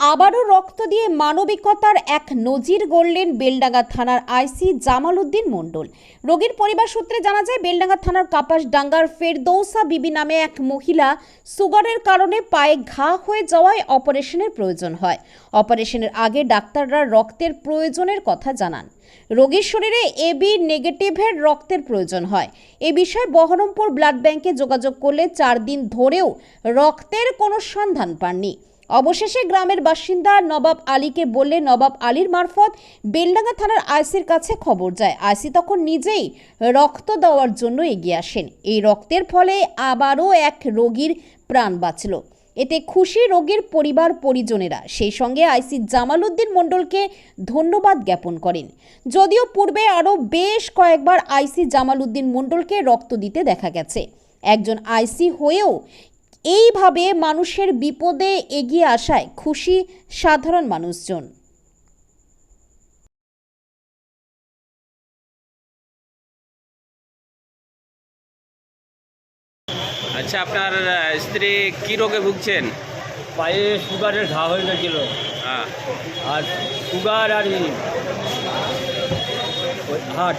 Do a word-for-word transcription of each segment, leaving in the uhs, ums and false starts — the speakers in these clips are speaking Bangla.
আবারও রক্ত দিয়ে মানবিকতার এক নজির গড়লেন বেলডাঙ্গা থানার আইসি জামাল উদ্দিন মণ্ডল। রোগীর পরিবার সূত্রে জানা যায়, বেলডাঙ্গা থানার কাপাসডাঙ্গার ফেরদৌসা বিবি নামে এক মহিলা সুগারের কারণে পায়ে ঘা হয়ে যাওয়ায় অপারেশনের প্রয়োজন হয়। অপারেশনের আগে ডাক্তাররা রক্তের প্রয়োজনের কথা জানান। রোগীর শরীরে এবি নেগেটিভের রক্তের প্রয়োজন হয়। এ বিষয়ে বহরমপুর ব্লাড ব্যাংকে যোগাযোগ করলে চার দিন ধরেও রক্তের কোনো সন্ধান পাননি। অবশেষে গ্রামের বাসিন্দা নবাব আলীকে বললে নবাব আলীর মারফত বেলডাঙ্গা থানার আইসির কাছে খবর যায়। আইসি তখন নিজেই রক্ত দেওয়ার জন্য এগিয়ে আসেন। এই রক্তের ফলে আবারও এক রোগীর প্রাণ বাঁচল। এতে খুশি রোগীর পরিবার পরিজনেরা। সেই সঙ্গে আইসি জামাল উদ্দিন মণ্ডলকে ধন্যবাদ জ্ঞাপন করেন। যদিও পূর্বে আরও বেশ কয়েকবার আইসি জামাল উদ্দিন মণ্ডলকে রক্ত দিতে দেখা গেছে, একজন আইসি হয়েও এইভাবে মানুষের বিপদে এগিয়ে আসায় খুশি সাধারণ মানুষজন। আচ্ছা, আপনার স্ত্রী কি রোগে ভুগছেন? পায়ে সুগারের ঘা হয়ে গেছিল। হ্যাঁ। আর সুগার আর হার্ট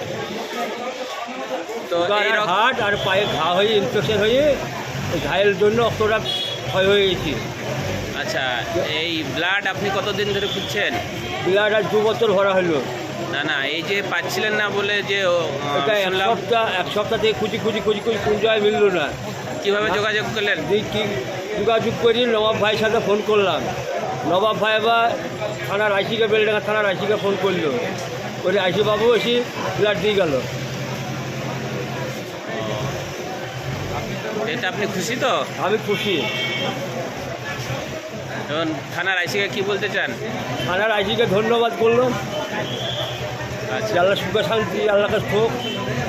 তো সুগার এই আর রক- হার্ট আর পায়ে ঘা হয়ে ইনফেকশন হয়ে ওই ঘায়ের জন্য অতটা ক্ষয় হয়ে গেছি। আচ্ছা, এই ব্লাড আপনি কতদিন ধরে খুঁজছেন? ব্লাড আর দু বছর ভরা হলো। না না, এই যে পাচ্ছিলেন না বলে যে ও, আহ, এটা এক শুনলাম, সপ্তাহ এক সপ্তাহ থেকে খুঁজি খুঁজি খুঁজি খুঁজি কোন জায়গায় মিললো না। কিভাবে যোগাযোগ করলেন? দেখি যোগাযোগ করি, নবাব ভাইয়ের সাথে ফোন করলাম। নবাব ভাই আবার থানার আইসিকে বেলডাঙ্গা থানার আইসিকে ফোন করলো। ওই আইসি বাবু এসে ব্লাড দিয়ে গেল। এটা আপনি খুশি তো? আমি খুশি। এখন থানার আইসিকে কি বলতে চান? থানার আইসিকে ধন্যবাদ করলো। আচ্ছা, আল্লাহ সুখে শান্তি আল্লাহকে হোক।